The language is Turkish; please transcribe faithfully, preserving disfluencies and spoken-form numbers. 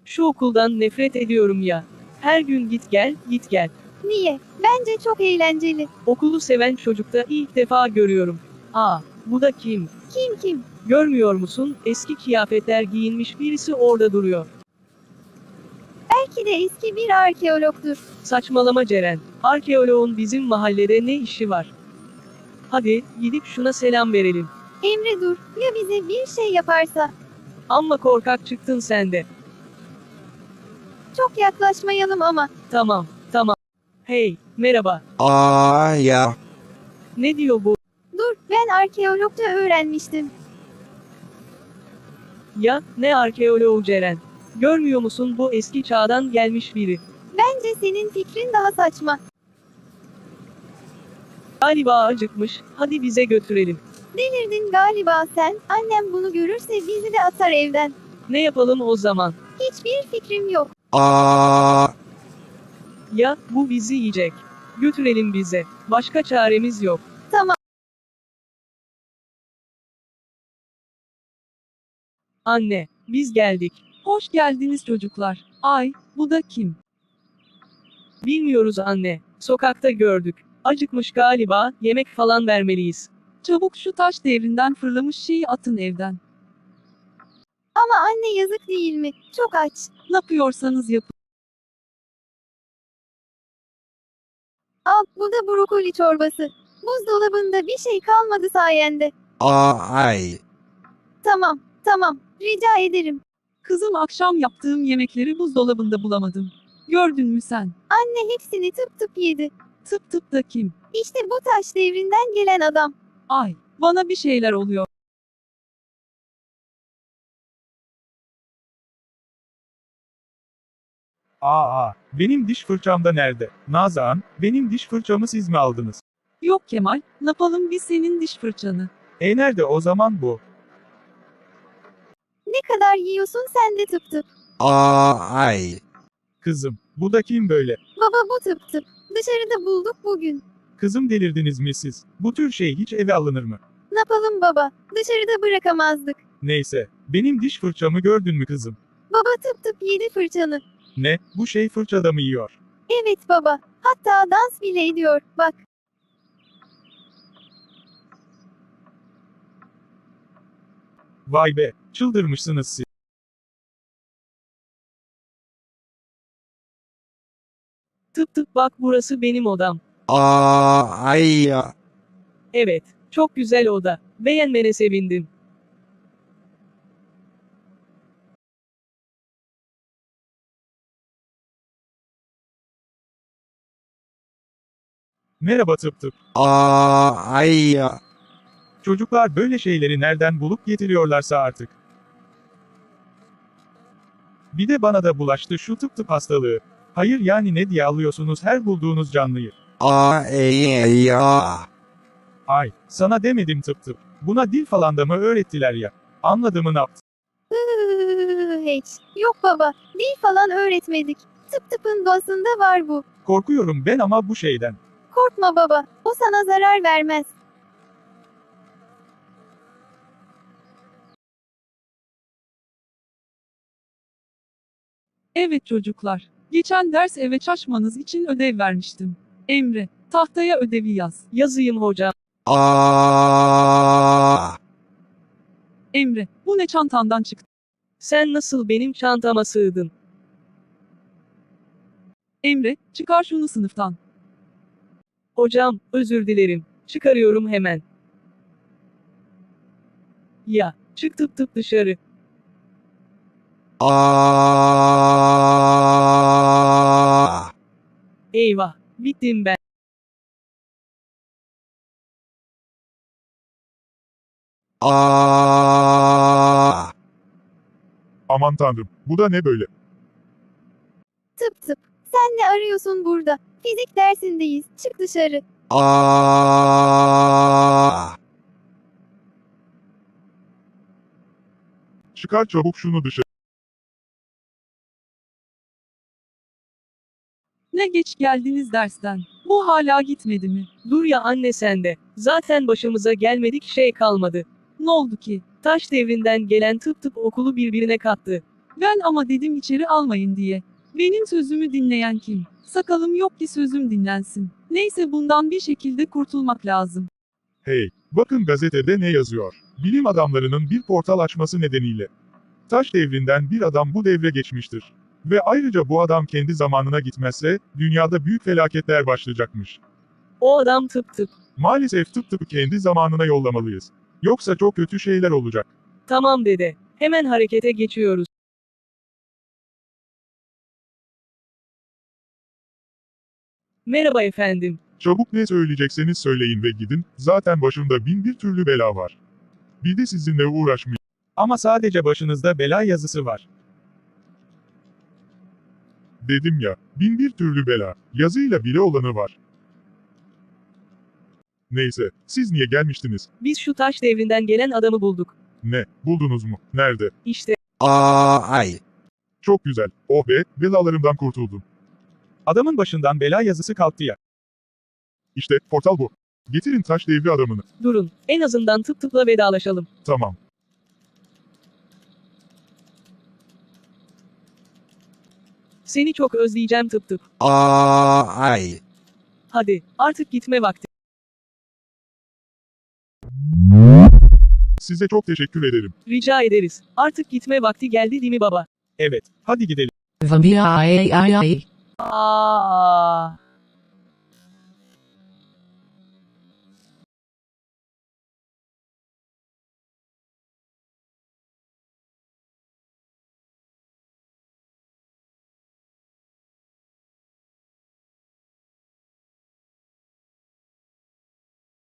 Şu okuldan nefret ediyorum ya. Her gün git gel, git gel. Niye? Bence çok eğlenceli. Okulu seven çocukta ilk defa görüyorum. Aa, bu da kim? Kim kim? Görmüyor musun? Eski kıyafetler giyinmiş birisi orada duruyor. Belki de eski bir arkeologdur. Saçmalama Ceren. Arkeoloğun bizim mahallede ne işi var? Hadi, gidip şuna selam verelim. Emre dur, ya bize bir şey yaparsa? Amma korkak çıktın sen de. Çok yaklaşmayalım ama. Tamam, tamam. Hey, merhaba. Aa ya. Ne diyor bu? Dur, ben arkeologça öğrenmiştim. Ya, ne arkeoloğu Ceren? Görmüyor musun bu eski çağdan gelmiş biri? Bence senin fikrin daha saçma. Galiba acıkmış, hadi bize götürelim. Delirdin galiba sen, annem bunu görürse bizi de atar evden. Ne yapalım o zaman? Hiçbir fikrim yok. Aa. Ya, bu bizi yiyecek. Götürelim bize. Başka çaremiz yok. Tamam. Anne, biz geldik. Hoş geldiniz çocuklar. Ay, bu da kim? Bilmiyoruz anne. Sokakta gördük. Acıkmış galiba, yemek falan vermeliyiz. Çabuk şu taş devrinden fırlamış şeyi atın evden. Ama anne yazık değil mi? Çok aç. Ne yapıyorsanız yapın. Al, bu da brokoli çorbası. Buzdolabında bir şey kalmadı sayende. Aa ay. Tamam, tamam. Rica ederim. Kızım akşam yaptığım yemekleri buzdolabında bulamadım. Gördün mü sen? Anne hepsini tıp tıp yedi. Tıp tıp da kim? İşte bu taş devrinden gelen adam. Ay, bana bir şeyler oluyor. Aa, benim diş fırçam da nerede? Nazan, benim diş fırçamı siz mi aldınız? Yok Kemal, ne yapalım biz senin diş fırçanı. E nerede o zaman bu? Ne kadar yiyorsun sen de tıp tıp. Aa ay. Kızım, bu da kim böyle? Baba bu tıp tıp. Dışarıda bulduk bugün. Kızım delirdiniz mi siz? Bu tür şey hiç eve alınır mı? Ne yapalım baba? Dışarıda bırakamazdık. Neyse, benim diş fırçamı gördün mü kızım? Baba tıp tıp yedi fırçanı. Ne, bu şey fırçada mı yiyor? Evet baba. Hatta dans bile ediyor. Bak. Vay be, çıldırmışsınız siz. Tıp tıp bak burası benim odam. Aa ay ya. Evet, çok güzel oda. Beğenmene sevindim. Merhaba tıp tıp. Aa ay ya. Çocuklar böyle şeyleri nereden bulup getiriyorlarsa artık. Bir de bana da bulaştı şu tıp tıp hastalığı. Hayır yani ne diye alıyorsunuz her bulduğunuz canlıyı? Aa ey ya. Ay, sana demedim tıp tıp. Buna dil falan da mı öğrettiler ya? Anladığımı ne yaptı? Iıı, hiç. Yok baba. Dil falan öğretmedik. Tıp tıpın doğasında var bu. Korkuyorum ben ama bu şeyden. Korkma baba. O sana zarar vermez. Evet çocuklar. Geçen ders eve çalışmanız için ödev vermiştim. Emre, tahtaya ödevi yaz. Yazayım hocam. Aa. Emre, bu ne çantandan çıktı? Sen nasıl benim çantama sığdın? Emre, çıkar şunu sınıftan. Hocam, özür dilerim. Çıkarıyorum hemen. Ya, çık tıp tıp dışarı. Aa. Eyvah, bittim ben. Aa. Aman tanrım, bu da ne böyle? Tıp tıp. Sen ne arıyorsun burada? Fizik dersindeyiz. Çık dışarı. Aa. Çıkar çabuk şunu dışarı. Ne geç geldiniz dersten. Bu hala gitmedi mi? Dur ya anne sen de. Zaten başımıza gelmedik şey kalmadı. Ne oldu ki? Taş devrinden gelen tıp tıp okulu birbirine kattı. Ben ama dedim içeri almayın diye. Benim sözümü dinleyen kim? Sakalım yok ki sözüm dinlensin. Neyse bundan bir şekilde kurtulmak lazım. Hey, bakın gazetede ne yazıyor. Bilim adamlarının bir portal açması nedeniyle. Taş devrinden bir adam bu devre geçmiştir. Ve ayrıca bu adam kendi zamanına gitmezse, dünyada büyük felaketler başlayacakmış. O adam tıp tıp. Maalesef tıp tıpı kendi zamanına yollamalıyız. Yoksa çok kötü şeyler olacak. Tamam dede. Hemen harekete geçiyoruz. Merhaba efendim. Çabuk ne söyleyecekseniz söyleyin ve gidin, zaten başımda bin bir türlü bela var. Bir de sizinle uğraşmayayım. Ama sadece başınızda bela yazısı var. Dedim ya, bin bir türlü bela, yazıyla bile olanı var. Neyse, siz niye gelmiştiniz? Biz şu taş devrinden gelen adamı bulduk. Ne, buldunuz mu? Nerede? İşte. Aa, ay. Çok güzel, oh be, belalarımdan kurtuldum. Adamın başından bela yazısı kalktı ya. İşte, portal bu. Getirin taş devri adamını. Durun. En azından tıp tıpla vedalaşalım. Tamam. Seni çok özleyeceğim tıp tıp. Aa, ay. Hadi. Artık gitme vakti. Size çok teşekkür ederim. Rica ederiz. Artık gitme vakti geldi değil mi baba? Evet, hadi gidelim. Vampire, ay, ay, ay. Aa.